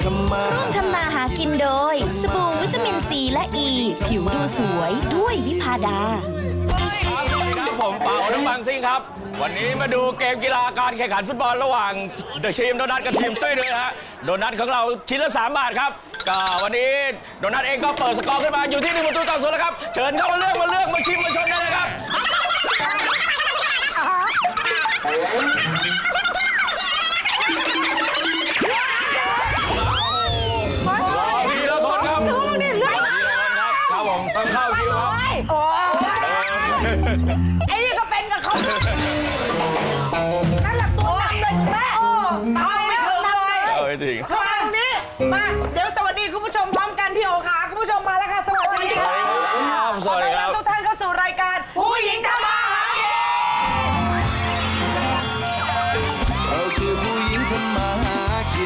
ร่วมทำมาหากินโดยสบู่วิตามินซีและอ e, ีผิวดูสวยด้วยวิพาดาสวัสดีครับผมเป่าน้ำบางซิ่งครับวันนี้มาดูเกมกีฬาการแข่งขันฟุตบอลระหว่างทีมโดนัทกับทีมตุ้ยด้วยฮะโดนัทของเราชิ้นละ3 บาทครับก็วันนี้โดนัทเองก็เปิดสกอร์ขึ้นมาอยู่ที่1-0แล้วครับเชิญเข้ามาเลือกมาชิมมาชมได้เลยครับต้องเข้าคิวครับไอ้นี่ก็เป็นกับเขานั่นแหละตัวหนักเลยแม่เข้าไม่ถึงเลยเข้าตรงนี้มาเดี๋ยวสวัสดีคุณผู้ชมพร้อมกันพี่โอค่ะคุณผู้ชมมาแล้วค่ะสวัสดีค่ะสวัสดีครับทุกท่านเข้าสู่รายการผู้หญิงทำมาหากินเราคือผู้หญิงทำมาหากิน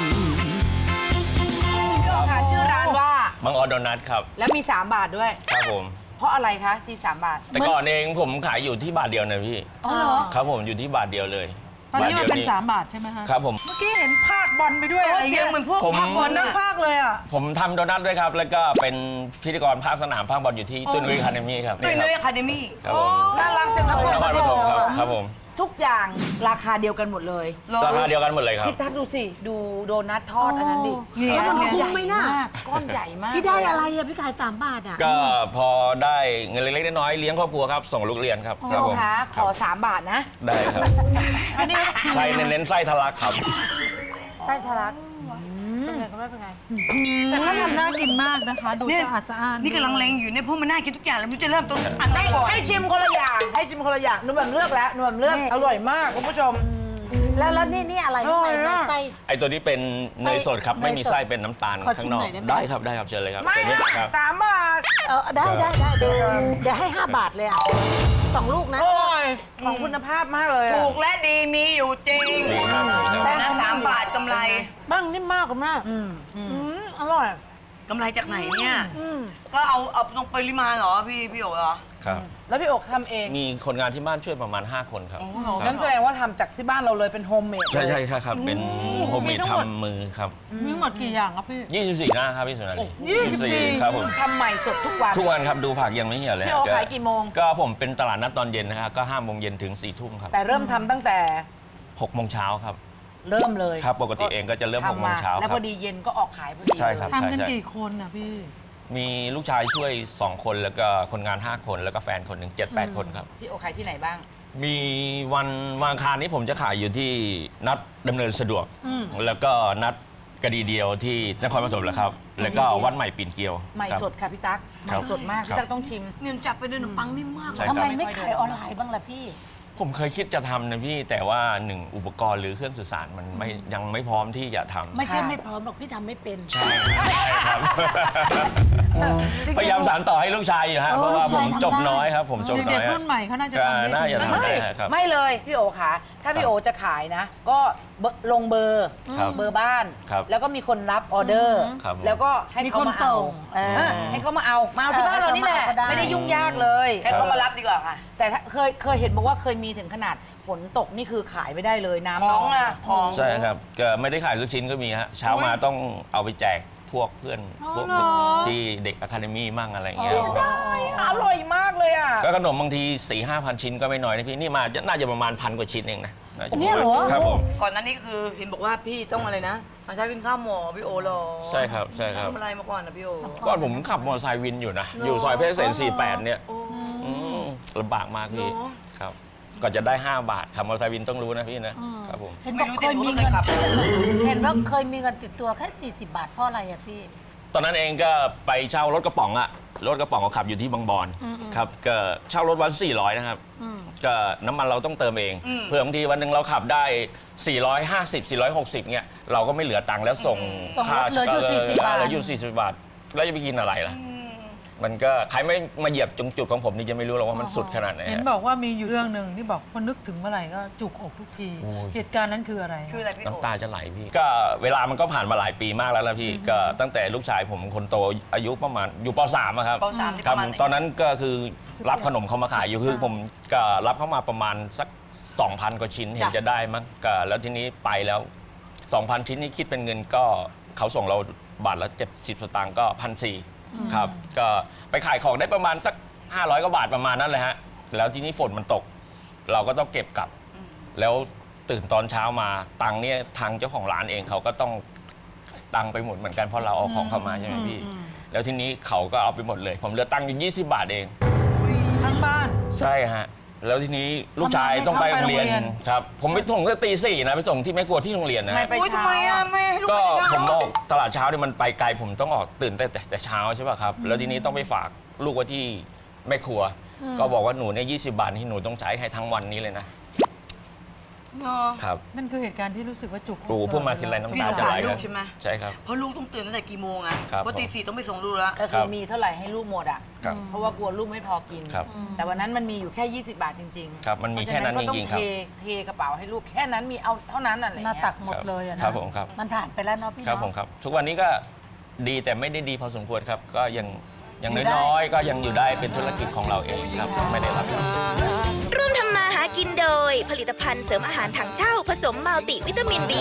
พี่โอค่ะชื่อร้านว่ามังออนโดนัทครับแล้วมี3 บาทด้วยครับผมเพราะอะไรคะที่3 บาทแต่ก่อนเองผมขายอยู่ที่บาทเดียวนะพี่อ๋อเหรอครับผมอยู่ที่บาทเดียวเลยตอนนี้มันเป็น3 บาทใช่ไหมคะครับผมเมื่อกี้เห็นภาคบอลไปด้วยอะไรเงี้ยเหมือนพวกภาคบอลนักภาคเลยอ่ะผมทำโดนัทด้วยครับแล้วก็เป็นพิธีกรภาคสนามภาคบอลอยู่ที่ตุ้ยนุ้ยอะคาเดมี่ครับตุ้ยนุ้ยอะคาเดมี่ครับผมน่ารักจังเลยนครปฐมครับผมทุกอย่างราคาเดียวกันหมดเลยราคาเดียวกันหมดเลยครับพี่ตั๊กดูสิดูโดนัททอดอันนั้นดิแล้วมันคุ้มไหมน่ะก้อนใหญ่มากพี่ได้อะไรอะพี่ขาย3 บาทอะก็พอได้เงินเล็กๆน้อยๆเลี้ยงครอบครัวครับส่งลูกเรียนครับพี่โอคะขอ3 บาทนะได้ครับอันนี้ไส้เน้นไส้ทะลักครับไส้ทะลักเป็นไงก็ไม่เป็นไงแต่เขาทำน่ากินมากนะคะดูสะอาดสะอ้านนี่กำลังเล็งอยู่เนี่ยเพราะมันน่ากินทุกอย่างแล้วมันจะเริ่มต้นอันไหนก่อนให้ชิมคนละอย่างหนุ่มแบบเลือกแล้วหนุ่มแบบเลือกอร่อยมากคุณผู้ชมแล้วนี่อะไรข้างในนะไส้ไอตัวนี้เป็นเนยสดครับไม่มีไส้เป็นน้ำตาลข้างนอกได้ครับเชิญเลยครับไม่ครับ 3 บาทได้เดี๋ยวให้5 บาทเลยอ่ะ2 ลูกนะของคุณภาพมากเลยถูกและดีมีอยู่จริงแต่นะ3 บาทกำไรบ้างนิ่มมากคุณแม่อร่อยกำไรจากไหนเนี่ยก็เอาตรงปริมาณเหรอพี่โอ๋เหรอครับแล้วพี่โอ๋ทำเองมีคนงานที่บ้านช่วยประมาณ5 คนครับนั่นแสดงว่าทำจากที่บ้านเราเลยเป็นโฮมเมดใช่ครับเป็นโฮมเมดทำมือครับมีหมดกี่อย่างครับพี่ 24 หน้าครับพี่สุนันท์ 24ครับผมทำใหม่สดทุกวันครับดูผักยังไม่เหี่ยวเลยพี่โอ๋ขายกี่โมงก็ผมเป็นตลาดนัดตอนเย็นนะครับก็5 โมงเย็นถึง4 ทุ่มครับแต่เริ่มทำตั้งแต่ 6 โมงเช้าครับเริ่มเลยครับปกติเองก็จะเริ่ม6 โมงเช้าแล้วพอดีเย็นก็ออกขายพอดีใช่ครับทำกันกี่คนอ่ะพี่มีลูกชายช่วย2 คนแล้วก็คนงาน5 คนแล้วก็แฟนคนหนึ่ง7-8 คนครับพี่โอขายที่ไหนบ้างมีวันอังคารนี้ผมจะขายอยู่ที่นัดดำเนินสะดวกแล้วก็นัดกระดีเดียวที่นครปฐมแหละครับแล้วก็วัดใหม่ปิ่นเกลียวใหม่สดค่ะพี่ตั๊กใหม่สดมากพี่ตั๊กต้องชิมเนื่องจากไปด้วยขนมปังนิ่มมากทำไมไม่ขายออนไลน์บ้างล่ะพี่ผมเคยคิดจะทำนะพี่แต่ว่า1อุปกรณ์หรือเครื่องสื่อสารมันยังไม่พร้อมที่จะทำไม่ใช่ไม่พร้อมหรอกพี่ทำไม่เป็นใช่ครับพยายามสานต่อให้ลูกชายอยู่ฮะเพราะว่าผมจบน้อยครับผมจบน้อยเด็กรุ่นใหม่เขาน่าจะทำได้ครับไม่เลยพี่โอค่ะถ้าพี่โอจะขายนะก็ลงเบอร์บ้านแล้วก็มีคนรับออเดอร์แล้วก็ให้เขามาเอาให้เขามาเอาที่บ้านเรานี่แหละไม่ได้ยุ่งยากเลยให้เขามารับดีกว่าค่ะแต่เคยเห็นบอกว่าเคยมีถึงขนาดฝนตกนี่คือขายไม่ได้เลยน้ำของใช่ครับก็ไม่ได้ขายทุกชิ้นก็มีฮะเช้ามาต้องเอาไปแจกพวกเพื่อนพวกที่เด็กอะคาเดมี่มั่งอะไรเงี้ยได้อร่อยมากเลยอ่ะก็ขนมบางที 4-5 พันชิ้นก็ไม่น้อยนะพี่นี่มาน่าจะประมาณ1,000 กว่าชิ้นเองนะเนี่ยเหรอครับผมก่อนนั้นนี่คือเห็นบอกว่าพี่ต้องอะไรนะมาใช้เป็นข้าวหมอพี่โอหรอใช่ครับทำอะไรมาก่อนนะพี่โอก่อนผมขับมอเตอร์ไซค์วินอยู่นะอยู่ซอยเพชรเกษม48เนี่ยลำบากมากพี่ครับก่อนจะได้5 บาทขับมอเตอร์ไซค์วินต้องรู้นะพี่นะครับผมเห็นบอกเคยมีเงินเห็นว่าเคยมีเงินติดตัวแค่40 บาทเพราะอะไรอะพี่ตอนนั้นเองก็ไปเช่ารถกระป๋องอะรถกระป๋องก็ขับอยู่ที่บางบอนครับก็เช่ารถวัน400นะครับก็น้ำมันเราต้องเติมเองเพื่อบางทีวันหนึ่งเราขับได้450 460เนี่ยเราก็ไม่เหลือตังค์แล้วส่งค่าเหลืออยู่40 บาทเหลืออยู่40 บาทแล้วจะไปกินอะไรล่ะมันก็ใครไม่มาเหยียบจุดของผมนี่จะไม่รู้หรอกว่ามันสุดขนาดไหนเห็นบอกว่ามีอยู่เรื่องหนึ่งที่บอกพอนึกถึงเมื่อไหร่ก็จุกอกทุกทีเหตุการณ์นั้นคืออะไรพี่น้ำตาจะไหลพี่ก็เวลามันก็ผ่านมาหลายปีมากแล้วละพี่ก็ตั้งแต่ลูกชายผมคนโตอายุประมาณอยู่ป .3 ครับครับตอนนั้นก็คือรับขนมเขามาขายอยู่คือผมก็รับเข้ามาประมาณสัก 2,000 กว่าชิ้นเห็นจะได้มั้งก็แล้วทีนี้ไปแล้ว 2,000 ชิ้นนี่คิดเป็นเงินก็เขาส่งเราบาทละ70 สตางค์ก็1,400ครับก็ไปขายของได้ประมาณสัก500 กว่าบาทประมาณนั้นเลยฮะแล้วทีนี้ฝนมันตก เราก็ต้องเก็บกลับ แล้วตื่นตอนเช้ามาตังค์เนี่ยทางเจ้าของร้านเองเขาก็ต้องตังค์ไปหมดเหมือนกันเพราะเราเอาของเข้ามาใช่ไหมพี่แล้วทีนี้เขาก็เอาไปหมดเลยผมเหลือตังค์อยู่20 บาทเองทั้งบ้านใช่ฮะแล้วทีนี้ลูกชายต้องไปโรงเรียนครับผมไปส่งก็ตี 4นะไปส่งที่แม่ครัวที่โรงเรียนนะไม่ไปอุ้ยทำไมอ่ะไม่ให้ลูกก็ไปเช้าผมออกตลาดเช้าเนี่ยมันไปไกลผมต้องออกตื่นแต่เช้าใช่ป่ะครับแล้วทีนี้ต้องไปฝากลูกไว้ที่แม่ครัว ก็บอกว่าหนูเนี่ย20 บาทที่หนูต้องใช้ให้ทั้งวันนี้เลยนะเนาะครับนั่นคือเหตุการณ์ที่รู้สึกว่าจุกครูพูดมาทีไรน้ำพี่ตาสงจะสาไหลรลูกักนใช่ไหมใช่ครับเพราะลูกต้องตื่นตั้งแต่กี่โมงอ่ะครับเพราะตี 4ต้องไปส่งลูกแล้วก็ครัคือบ มีเท่าไหร่ให้ลูกหมดอ่ะครับเพราะว่ากลัวลูกไม่พอกินครับแต่วันนั้นมันมีอยู่แค่ 20 บาทจริงๆครับมันมีแค่นั้นเพาะฉะก็จริงๆครับต้องเทกระเป๋าให้ลูกแค่นั้นมีเอาเท่านั้นอะไรหน้าเงี้ยตักหมดเลยอะนะครับผมครับมันผ่านไปแล้วเนาะพี่ครับเนาะผมครับทุกวันนี้ก็ดีแต่ไม่ได้ดีพอสมควรครับ ก็ยังอย่างอยู่ได้น้อยๆก็ยังอยู่ได้เป็นธุรกิจของเราเองครับไม่ได้รับครับร่วมทำมาหากินโดย ผลิตภัณฑ์เสริมอาหารถังเช่าผสมมัลติวิตามิน B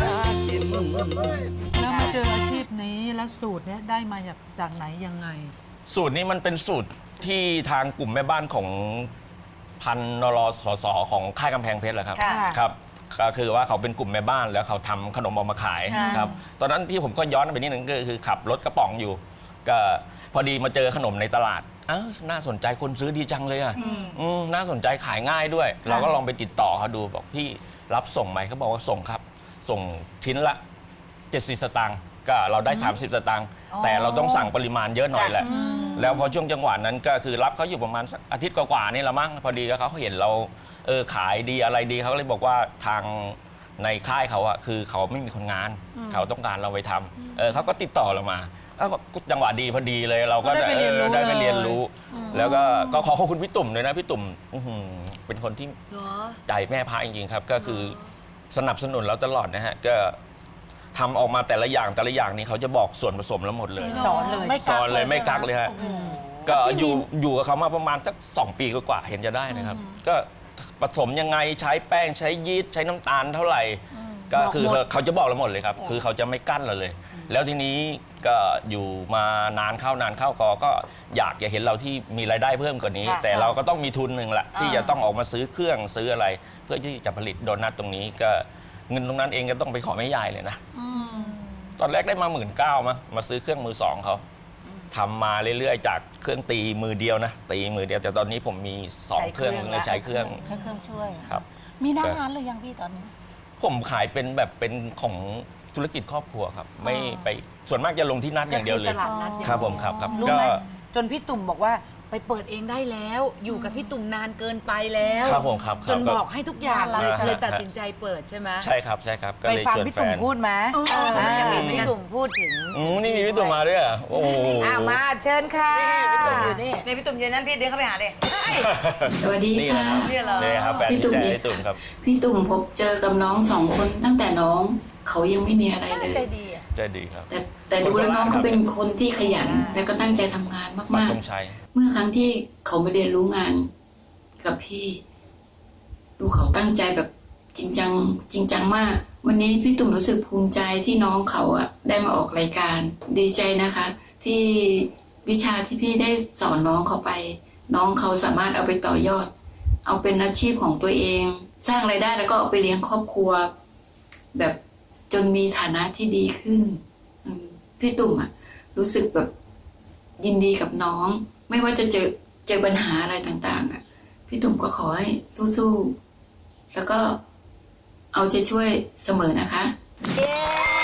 แล้วมาเจออาชีพนี้แล้วสูตรเนี้ยได้มาจากไหนยังไงสูตรนี้มันเป็นสูตรที่ทางกลุ่มแม่บ้านของพันนรสสของค่ายกำแพงเพชรแหละครับค่ะครับก็คือว่าเขาเป็นกลุ่มแม่บ้านแล้วเขาทำขนมออกมาขายครับตอนนั้นที่ผมก็ย้อนไปนิดนึงก็คือขับรถกระป๋องอยู่ ก็พอดีมาเจอขนมในตลาดน่าสนใจคนซื้อดีจังเลยอ่ะน่าสนใจขายง่ายด้วย เราก็ลองไปติดต่อเขาดูบอกพี่รับส่งไหมเขาบอกว่าส่งครับ ส่งชิ้นละ70 สตางค์ก็เราได้ 30 สตางค์แต่เราต้องสั่งปริมาณเยอะหน่อยแหละ แล้วพอช่วงจังหวะนั้นก็คือรับเขาอยู่ประมาณสักอาทิตย์กว่าๆนี่ละมั้งพอดีแล้วเขาเห็นเราขายดีอะไรดีเขาก็เลยบอกว่าทางในค่ายเขาอะคือเขาไม่มีคนงาน เขาต้องการเราไปทำเขาก็ติดต่อเรามาก็จังหวะดีพอดีเลยเราก็ได้ไปเรียนรู้ได้ไปเรียนเลยรู้ แล้วก็ขอบคุณพี่ตุ่มเลยนะพี่ตุ่มเป็นคนที่เหรอใจแม่พระจริงๆครับก็คือสนับสนุนเราตลอดนะฮะก็ทำออกมาแต่ละอย่างนี้เขาจะบอกส่วนผสมแล้วหมดเลยสอนเลยไม่สอนเลยไม่กักใช่หเลยฮะก็อยู่กับเขามาประมาณสัก2 ปีกว่าๆเห็นจะได้นะครับ ก็ผสมยังไงใช้แป้งใช้ยีสต์ใช้น้ำตาลเท่าไหร่ ก็คือเขาจะบอกเราหมดเลยครับ คือเขาจะไม่กั้นเราเลย แล้วทีนี้ก็อยู่มานานเข้ก็อยากจะเห็นเราที่มีรายได้เพิ่มกว่านี้ค่ะแต่เราก็ต้องมีทุนหนึ่งแหละที่จะต้องออกมาซื้อเครื่องซื้ออะไร เพื่อที่จะผลิตโดนัทตรงนี้ก็เงินตรงนั้นเองก็ต้องไปขอแม่ยายเลยนะ ตอนแรกได้มา19,000มาซื้อเครื่องมือ 2เขาทำมาเรื่อยๆ จากเครื่องตีมือเดียวนะตีมือเดียวแต่ตอนนี้ผมมี2 เครื่องเลยใช้เครื่องใช้เครื่องช่วยครับมีหน้างานหรือยังพี่ตอนนี้ผมขายเป็นแบบเป็นของธุรกิจครอบครัวครับ ไม่ไปส่วนมากจะลงที่นัดอย่างเดียวเลยก็คือตลาดนัดอย่างเดียวครับผมครับรู้ก็ไหมจนพี่ตุ่มบอกว่าไปเปิดเองได้แล้ว อยู่กับพี่ตุ่มนานเกินไปแล้วครับผมครับจนบอกให้ทุกอย่างเลยครับเลยตัดสินใจเปิดใช่ไหมใช่ครับก็ไปเลยฟังชวนพี่แฟตุ่มนพูดไหม พี่ตุ่มพูดถึงนี่มีพี่ตุ่มมาด้วยเหรอโอ้โหมาเชิญค่ะอยู่นี่ในพี่ตุ่มเย็นนั้นพี่เดินเข้าไปหาเลยสวัสดีนี่ค่ะนะครับเนี่ยเหรอนี่ครับแฟนพี่ตุ่มแจ๊เนี่ยพี่ตุ่มครับพี่ตุ่มพบเจอกับน้อง2 คนตั้งแต่น้องเขายังไม่มีอะไรเลยใจดีอ่ะใจดีครับแต่ดูแล้วน้องเขาเป็นคนที่ขยัน และก็ตั้งใจทำงานปักมากธงชัยๆ เมื่อครั้งที่เขามาเรียนรู้งานกับพี่ ดูเขาตั้งใจแบบจริงจังมาก วันนี้พี่ตุ่มรู้สึกภูมิใจที่น้องเขาอะได้มาออกรายการ ดีใจนะคะ ที่วิชาที่พี่ได้สอนน้องเขาไป น้องเขาสามารถเอาไปต่อยอด เอาเป็นอาชีพของตัวเอง สร้างรายได้แล้วก็เอาไปเลี้ยงครอบครัว แบบจนมีฐานะที่ดีขึ้นพี่ตุ่มอะรู้สึกแบบยินดีกับน้อง ไม่ว่าจะเจอปัญหาอะไรต่างๆอะพี่ตุ่มก็ขอให้สู้ๆแล้วก็เอาใจช่วยเสมอนะคะเย้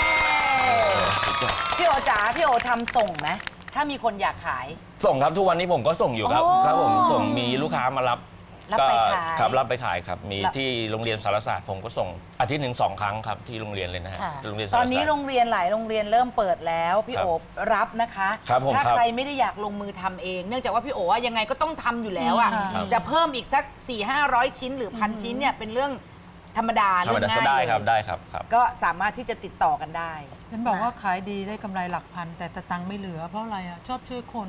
พี่โอจ๋าพี่โอทำส่งไหมถ้ามีคนอยากขายส่งครับทุกวันนี้ผมก็ส่งอยู่ครับโอ้ครับผมส่งมีลูกค้ามารับรับไปขายครับรับไปขายครับ มีรับที่โรงเรียนสารศาสตร์ผมก็ส่งอาทิตย์หนึ่ง2 ครั้งครับที่โรงเรียนเลยนะฮะค่ะโรงเรียนสารตศาอสตนร์นี้โรงเรียนหลายโรงเรียนเริ่มเปิดแล้วพี่ครับโอรับนะคะครับผมถ้าครับใครไม่ได้อยากลงมือทำเอง เนื่องจากว่าพี่โอว่ายังไงก็ต้องทำอยู่แล้วอ่ะครับจะเพิ่มอีกสัก 400-500 ชิ้นหรือ 1,000 ชิ้นเนี่ยเป็นเรื่องธรรมดาธรรเรื่มองดาง่ายได้ครับเลยได้ครับครับก็สามารถที่จะติดต่อกันได้ฉันบอกว่าขายดีได้กำไรหลักพันแต่ตังค์ไม่เหลือเพราะอะไรอ่ะชอบช่วยคน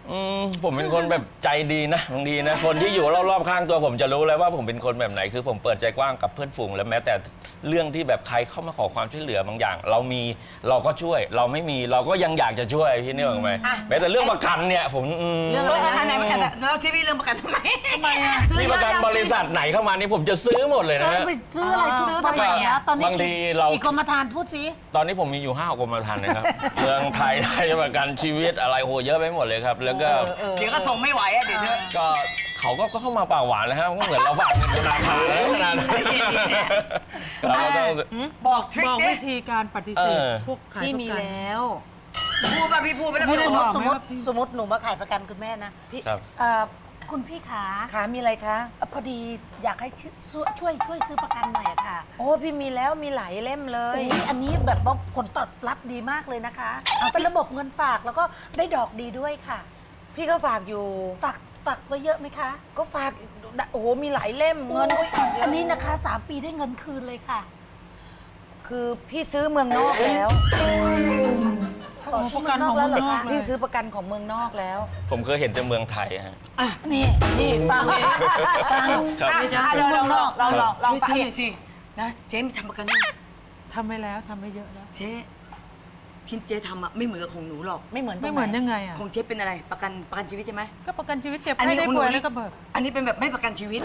ผมเป็นคนแบบใจดีนะบางทีนะคนที่อยู่รอบๆข้างตัวผมจะรู้เลยว่าผมเป็นคนแบบไหนคือผมเปิดใจกว้างกับเพื่อนฝูงและแม้แต่เรื่องที่แบบใครเข้ามาขอความช่วยเหลือบางอย่าง เรามีเราก็ช่วยเราไม่มีเราก็ยังอยากจะช่วยพี่นี่หรอกไหมแม้แต่เรื่องประกันเนี่ยผมเรื่องอะไรไหนประกันแล้วที่พี่เรื่องประกันทำไมนี่ประกันบริษัทไหนเข้ามานี่ผมจะซื้อหมดเลยนะฮะไปซื้ออะไรซื้อทำไมอะตอนนี้บางทีเรากี่กรมธรรม์พูดสิตอนนี้ผมมีอยู่5 กรมธรรม์นะครับ เมืองไทยได้ประกันชีวิตอะไรโหเยอะไปหมดเลยครับ แล้วก็เดี๋ยวก็ส่งไม่ไหวอ่ะเดี๋ยวเธอก็เขาก็เข้ามาปากหวานนะครับก็เหมือนเราฝากเงินธนาคารแล้วขนาดนั้นเราก็ต้องบอกทริคบอกดิวิธีการปฏิเสธพวกขายพี่ประมีกันแล้วพูดป่ะพี่พูดไปแล้วไม่พี่ได้ส่งบอกสมมติหนูมาขายประกันคุณแม่นะพี่ครับคุณพี่ขาขามีอะไรคะพอดีอยากให้ช่วยซื้อประกันหน่อยอะค่ะโอ้พี่มีแล้วมีหลายเล่มเลยอุ๊ยอันนี้แบบว่าผลตอบรับดีมากเลยนะคะเป็นระบบเงินฝากแล้วก็ได้ดอกดีด้วยค่ะพี่ก็ฝากอยู่ฝากไว้เยอะไหมคะก็ฝากโอ้โหมีหลายเล่มเงินอุ๊ยอันนี้นะคะ3 ปีได้เงินคืนเลยค่ะคือพี่ซื้อเมืองนอกแล้วประกันของเมืองนอกเลพี่ยซื้อประกันของเมืองนอกแล้วผมเคยเห็นแต่เมืองไทยฮะนี่ฟังฟังครับซื้อเมืองนอกลองไปหน่อยสินะเจ๊มีทำประกันยังทำไปแล้วทำไปเยอะแล้วเจ๊ที่เจ๊ทำอ่ะไม่เหมือนกับของหนูหรอกไม่เหมือนตรไม่งเหมือนไหนยังไงอ่ะของเจ๊เป็นอะไรประกันชีวิตใช่ไหมก็ประกันชีวิตเก็บให้ได้ป่วยแล้วก็เบิกอันนี้เป็นแบบไม่ประกันชีวิต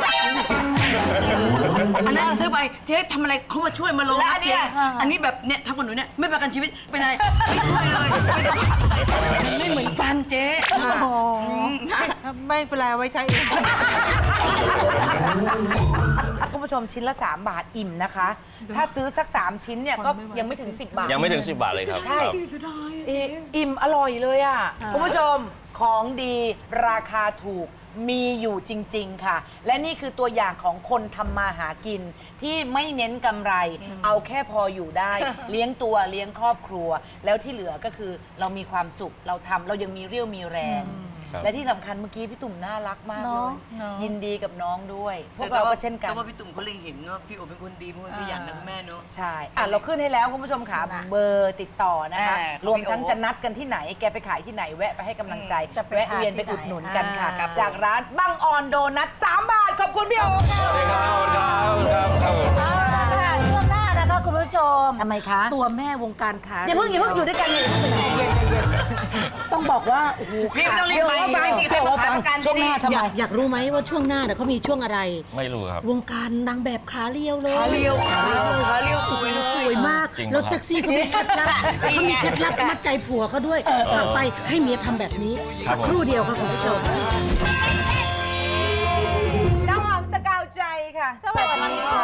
อันนั้นซื้อไปเจ๊ทำอะไรเขามาช่วยมาลงรับเจ๊อันนี้แบบเนี่ยทำกับหนูเนี่ยไม่ประกันชีวิตเป็นอะไรไม่ช่วยเลยไม่เหมือนกันเจ๊ไม่เป็นไรเอาไว้ใช้เองคุณผู้ชมชิ้นละ3 บาทอิ่มนะคะ ถ้าซื้อสัก3 ชิ้นเนี่ยก็ยังไม่ถึง10 บาทยังไม่ถึง10 บาทเลยครับใช่ครับอิ่มอร่อยเลยอ่ะคุณผู้ชมของดีราคาถูกมีอยู่จริง ๆ ค่ะ และนี่คือตัวอย่างของคนทำมาหากิน ที่ไม่เน้นกำไร เอาแค่พออยู่ได้ เลี้ยงตัวเลี้ยงครอบครัว แล้วที่เหลือก็คือเรามีความสุขเราทำเรายังมีเรี่ยวมีแรงครับและที่สำคัญเมื่อกี้พี่ตุ่มน่ารักมากเลเนาะยยินดีกับน้องด้วย พวกเราก็เช่นกันแต่ว่าพี่ตุ่มเขาเล็งเห็นว่าพี่โอเป็นคนดีเป็นคนขยันนะคุณแม่เนาะใช่เราขึ้นให้แล้วคุณผู้ชมค่ะเบอร์ติดต่อนะคะของพี่โอ๊รวมทั้งจะนัดกันที่ไหน แกไปขายที่ไหนแวะไปให้กำลังใจจะไปแวะเวียนทานไปที่อุดหนุนไหนกันค่ะครับจากร้านบังออนโดนัท3 บาท ขอบคุณพี่โอ๊คค่ะสวัสดีครับครับช่วงหน้านะคะคุณผู้ชมทำไมคะตัวแม่วงการค้าอย่าเพิ่งอยู่ด้วยกันเลยต้องบอกว่าโอ้โหพี่ไม่ต้องรีบไปไม่มีใครมาขายประกันช่วงหน้าทำไมอยากรู้ไหมว่าช่วงหน้าเนี่ยเขามีช่วงอะไรไม่รู้ครับวงการนางแบบขาเรียวเลยขาเรียวสวยเลยสวยมากจริงเหรอแล้วเซ็กซี่เขามีเคล็ดลับเขามีเคล็ดลับมัดใจผัวเขาด้วยกลับไปให้เมียทำแบบนี้ สักครู่เดียวค่ะคุณผู้ชมน้องหอมสกาวใจค่ะ สวัสดีค่ะ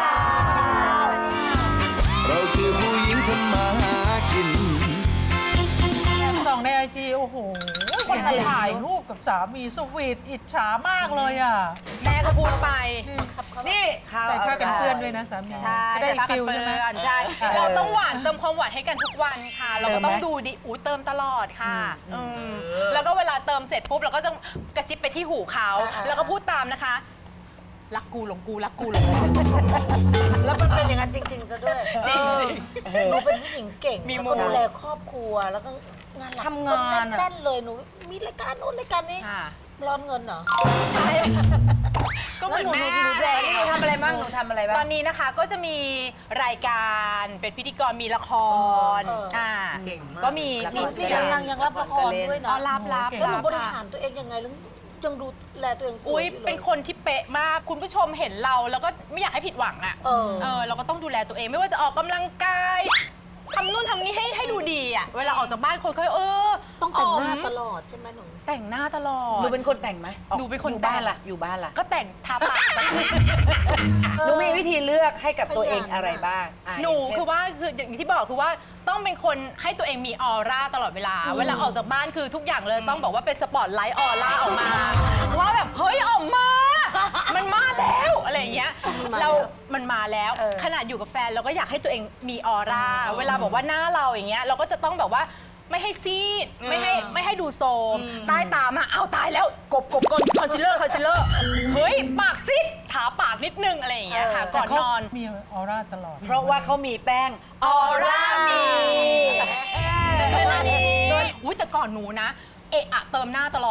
เราคือผู้หญิงทำมาหากินส่องในไอจีโอ้โหคนถ่ายรูปกับสามีสวีทอิจฉามากเลยอ่ะแม่ก็พูดไป นี่ใส่ผ้ากันเปื้อนด้วยนะสามีใช่ได้อีกผ้าฟิลใช่ไหมเปื้อนใช่ เราต้องหวานเติมความหวานให้กันทุกวันค่ะ เราก็ต้องดูดิอู้เติมตลอดค่ะแล้วก็เวลาเติมเสร็จปุ๊บเราก็ต้องกระซิบไปที่หูเขาแล้วก็พูดตามนะคะรักกูหลงกูรักกูหลงกูแล้วมันเป็นอย่างนั้นจริง ๆ ซะด้วยจริงหนูเป็นผู้หญิงเก่งมีแล้วมุก็มดูแลครอบครัวแล้วก็งานหลักทำงานอะแน่นๆเลยหนูมีรายการโน้นรายการนี้ค่ะร้อนเงินเหรอใช่ก็เหมือนแม่หนูทำอะไรบ้างหนูทำอะไรบ้างตอนนี้นะคะก็จะมีรายการเป็นพิธีกรมีละครเก่งมากก็มีจริงๆยังรับละครด้วยอ๋อนะรับแล้วหนูบริหารตัวเองยังไงแล้วยังดูแลตัวเองสวยอุ้ยอยู่เลยเป็นคนที่เป๊ะมาก คุณผู้ชมเห็นเราแล้วก็ไม่อยากให้ผิดหวังอ่ะ เราก็ต้องดูแลตัวเองไม่ว่าจะออกกำลังกายทำนู่นทำนี่ให้ดูดีอ่ะ เวลาออกจากบ้านคนเขาต้องแต่งหน้าอ๋อมตลอดใช่ไหมหนูแต่งหน้าตลอดหนูเป็นคนแต่งไหมหนูเป็นคนอยู่บ้านแต่งล่ะอยู่บ้านล่ะก็แต่งทาปากหนูมีวิธีเลือกให้กับตัวเองอะไรบ้างอ่ะหนูย่างเช่คือว่าคืออย่างที่บอกคือว่าต้องเป็นคนให้ตัวเองมีออร่าตลอดเวลา เวลาออกจากบ้านคือทุกอย่างเลยต้องบอกว่าเป็นสปอตไลท์ออร่าออกมา ว่าแบบเฮ้ยออกมา มันมาแล้วอะไรอย่างเงี้ยมันมาแล้วขนาดอยู่กับแฟนเราก็อยากให้ตัวเองมีออร่าเวลาบอกว่าหน้าเราอย่างเงี้ยเราก็จะต้องแบบว่าไม่ให้ซีดไม่ให้ดูโซมใต้ตามาเอาตายแล้วกบคอนซีลเลอร์เฮ้ยปากซีดทาปากนิดนึงอะไรอย่างเงี้ยค่ะก่อนนอนมีออร่าตลอดเพราะว่าเขามีแป้งออร่ามีอุ้ยแต่ก่อนหนูนะเอะอะเติมหน้าตลอด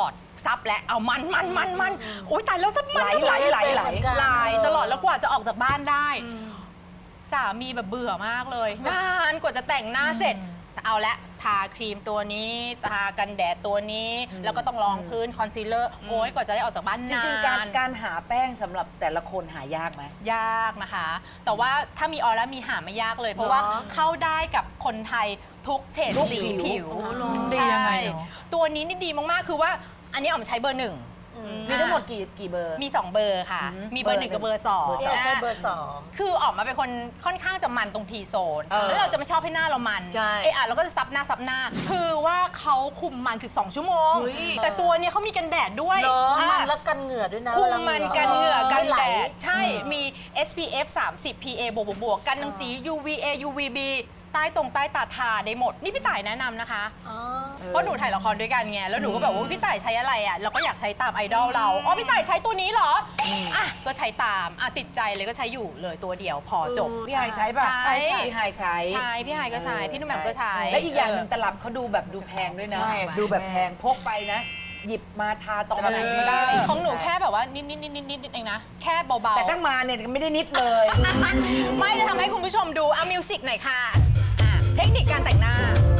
ซับและเอามันโอ๊ยตายแล้วซับมันไหลตลอดแล้วกว่าจะออกจากบ้านได้ สามีแบบเบื่อมากเลยนานกว่าจะแต่งหน้าเสร็จเอาละทาครีมตัวนี้ทากันแดดตัวนี้ แล้วก็ต้องรองพื้นคอนซีลเลอร์โอ้ยกว่าจะได้ออกจากบ้านจนานริงๆการหาแป้งสำหรับแต่ละคนหายากไหมยากนะคะ แต่ว่าถ้ามีออร่ามีหาไม่ยากเลย เพราะว่าเข้าได้กับคนไทยทุกเฉดสีผิวดียังไงเหรอตัวนี้นี่ดีมากๆคือว่าอันนี้ออมใช้เบอร์ 1 มีทั้งหมดกี่เบอร์มี 2 เบอร์ค่ะ มีเบอร์ 1 กับเบอร์ 2 ใช้เบอร์คือออกมาเป็นคนค่อนข้างจะมันตรงทีโซนเออแล้วเราจะไม่ชอบให้หน้าเรามันใช่เราก็จะซับหน้า คือว่าเขาคุมมัน 12 ชั่วโมงเฮ้ยแต่ตัวเนี้ยเขามีกันแดดด้วยเหรออ่ะมันและกันเหงื่อด้วยนะคุมมันกันเหงื่อกันไม่ไหลแดด ใช่ มี SPF 30 PA บวกกันรังสี UVA UVB ใต้ตาทาได้หมด นี่พี่ต่ายแนะนำนะคะ เพราะหนูถ่ายละครด้วยกันไง แล้วหนูก็แบบว่าพี่ต่ายใช้อะไรอ่ะ เราก็อยากใช้ตามไอดอลเรา อ๋อ พี่ต่ายใช้ตัวนี้เหรอ อ่ะ ก็ใช้ตาม อ่ะ ติดใจเลยก็ใช้อยู่เลยตัวเดียวพอจบพี่ไฮใช้ป่ะใช่พี่ไฮใช้ใช่ พี่ไฮก็ใช้ พี่นุ่มแหม่มก็ใช้และอีกอย่างหนึ่งตลับเขาดูแบบดูแพงด้วยนะใช่ดูแบบแพงพกไปนะ หยิบมาทาตอนไหนก็ได้ของหนูแค่แบบว่านิดเองนะ แค่เบาๆแต่ตั้งมาเนี่ยไม่ได้นิดเลยไม่จะทำให้คุณผู้ชมดูเอามิวสิกหน่อยค่ะเทคนิคการแต่งหน้า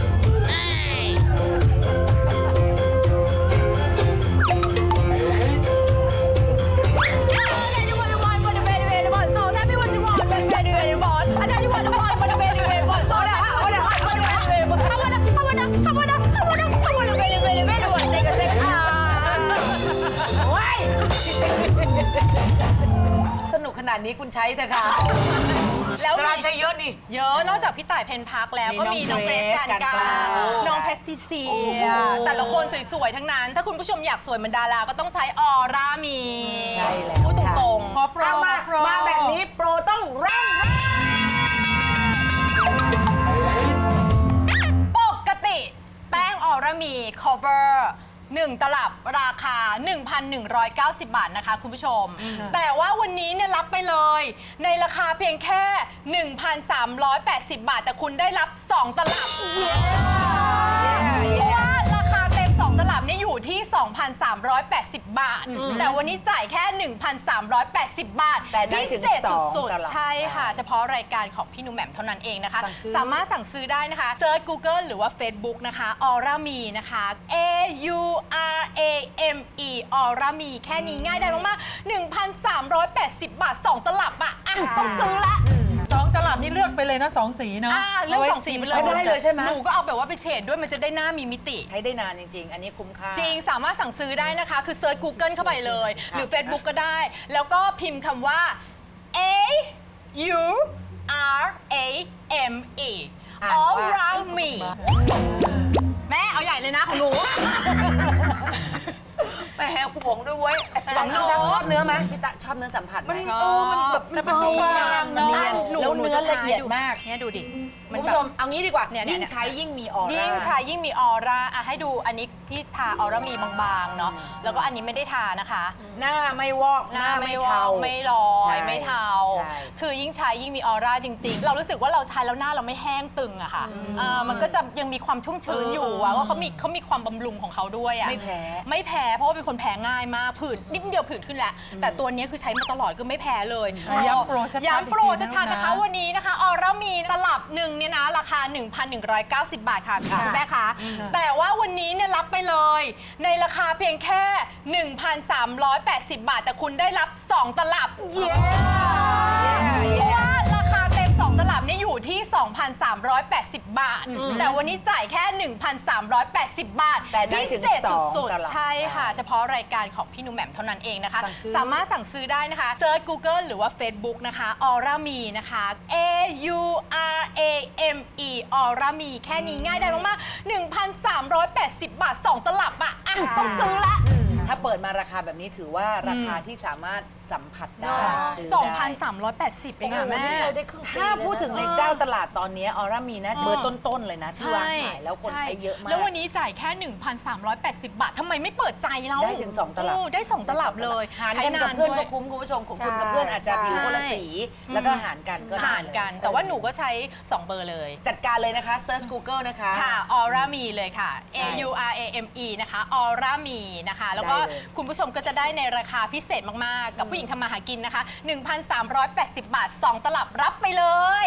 สนุกขนาดนี้คุณใช้เถอะค่ะแล้วดาราใช้เยอะนี่เยอะนอกจากพี่ต่ายเพนพักแล้วก็มีน้องเกรซการกาน้องเพสติเซียแต่ละคนสวยๆทั้งนั้น ถ้าคุณผู้ชมอยากสวยเหมือนดาราก็ต้องใช้ออร่ามีใช่แล้วพูดตรงขอโปรเอามาขอโปรมาแบบนี้โปรต้องเร่งๆปกติแป้งออร่ามี cover 1 ตลับราคา 1,190 บาทนะคะคุณผู้ชม แต่ว่าวันนี้เนี่ยรับไปเลย ในราคาเพียงแค่ 1,380 บาท แต่คุณได้รับ 2 ตลับ เพราะว่าราคาเต็ม 2 ตลับเนี่ยอยู่ที่ 2,380 บาท แต่วันนี้จ่ายแค่ 1,380 บาทแต่ได้ถึงพิเศษสองสุดตลับๆ ใช่ค่ะ เฉพาะรายการของพี่หนุ่มแหม่มเท่านั้นเองนะคะสั่งซื้อสามารถสั่งซื้อได้นะคะเซิร์ช Google หรือว่า Facebook นะคะออร่ามีนะคะ AURAME ออร่ามีแค่นี้ง่ายได้มากๆ 1,380 บาท 2 ตลับอ่ะต้องซื้อละ 2 ตลับนี่เลือกไปเลยนะ 2 สีเนาะเรื่อง2 สีไปเลยได้เลยใช่ไหมหนูก็เอาแบบว่าไปเฉดด้วยมันจะได้หน้ามีมิติใช้ได้นานจริง ๆ อันนี้คุ้มค่าจริงสามารถสั่งซื้อได้นะคะ คือเซิร์ช Google เข้าไปเลย หรือ Facebook ก็ได้ แล้วก็พิมพ์คำว่า AURAME อ่านว่า Aura Me แม่เอาใหญ่เลยนะของหนูแหมห่วงด้วยเว้ยหวังพี่ตั๊กชอบเนื้อไหมพี่ตั๊กชอบเนื้อสัมผัสไหมมันแบบแต่มันบางๆมันเนาะเนียนหนูแล้วเนื้อละเอียดมากเนี่ยดูดิคุณผู้ชมเอางี้ดีกว่าเนี่ยยิ่งใช้ยิ่งมีออร่ายิ่งใช้ยิ่งมีออร่าอ่ะให้ดูอันนี้ที่ทาออร่ามีบางๆเนาะแล้วก็อันนี้ไม่ได้ทานะคะหน้าไม่วอกหน้าไม่วอเทากไม่ลอใช่ยไม่เทาใช่คือยิ่งใช้ยิ่งมีออร่าจริง ๆ เรารู้สึกว่าเราใช้แล้วหน้าเราไม่แห้งตึงอะค่ะมันก็จะยังมีความชุ่มชื้นอยู่อะว่าเขามีความบำรุงของเขาด้วยอะไม่แพ้ไม่แพ้เพราะว่าเป็นคนแพ้ง่ายมากผื่นนิดเดียวผื่นขึ้นแล้วแต่ตัวนี้คือใช้มาตลอดคือไม่แพ้เลยย้ำโปรชัดๆย้ำโปรอีกทีชัดๆนะนะคะวันนี้นะคะออร่ามีตลับหนึ่งเนี่ยนะราคา 1,190 บาทค่ะคุณแม่คะแต่ว่าวันนี้เนี่ยรับไปเลย ในราคาเพียงแค่ 1,380 บาทแต่คุณได้รับ 2 ตลับเพราะว่าราคาเต็ม 2 ตลับเนี่ยอยู่ที่ 2,380 บาท แต่วันนี้จ่ายแค่ 1,380 บาทแต่ได้ถึงพิเศษสองสุดตลับๆใช่ค่ะ เฉพาะรายการของพี่หนุ่มแหม่มเท่านั้นเองนะคะสั่งซื้อสามารถสั่งซื้อได้นะคะเซิร์ช Google หรือว่า Facebook นะคะออร่ามีนะคะ AURAME ออร่ามีแค่นี้ง่ายได้มากๆ 1,380 บาท 2 ตลับอ่ะต้องซื้อละถ้าเปิดมาราคาแบบนี้ถือว่าราคาที่สามารถสัมผัสได้ซื้อได้ 2,380 เองอะแม่ใช้ได้ครึ่งปีถ้าพูดถึงในเจ้าตลาดตอนนี้ออร่ามีนะเบอร์ต้นๆเลยนะที่วางขายแล้วคนใช้เยอะมากแล้ววันนี้จ่ายแค่ 1,380 บาททำไมไม่เปิดใจเราได้ถึงสองตลับโได้ 2 ตลับเลยหารใช้กันนากับนเพื่อนด้วก็ยคุ้มคุณผู้ชมของคุณกับเพื่อนอาจจะผิวคนละสีแล้วก็หารกันก็ได้ห่างเลยกัน แต่ว่าหนูก็ใช้ 2 เบอร์เลยจัดการเลยนะคะ Search Google นะคะค่ะออร่ามีเลยค่ะใช่ AURAME นะคะออร่ามีนะคะ แล้วก็คุณผู้ชมก็จะได้ในราคาพิเศษมากๆกับผู้หญิงทำมาหากินนะคะ 1,380 บาท 2 ตลับรับไปเลย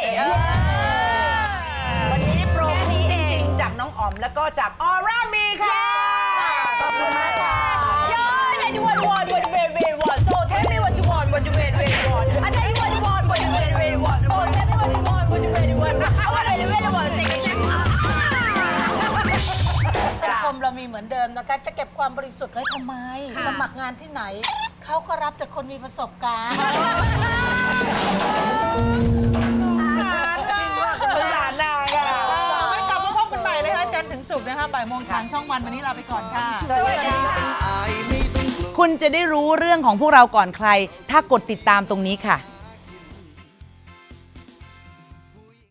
วันนี้โปรจริงๆจากน้องอ๋อมแล้วก็จากออร่ามีค่ะขอบคุณมากค่ะ Yeah, anyone want what you really want. So tell me what you want, what you really want. I tell you what you want, what you really want. So tell me what you want, what you really want. I want really want. Sing it. สังคมเรามีเหมือนเดิมนะคะจะเก็บความบริสุทธิ์ไว้ทำไม สมัครงานที่ไหน เขาก็รับแต่คนมีประสบการณ์ภาษาหน้าค่ะไว้กลับมาพบกันใหม่นะคะจันทร์ถึงศุกร์นะคะบ่ายโมงทางช่องวันวันนี้ลาไปก่อนค่ะสวัสดีค่ะ คุณจะได้รู้เรื่องของพวกเราก่อนใคร ถ้ากดติดตามตรงนี้ค่ะ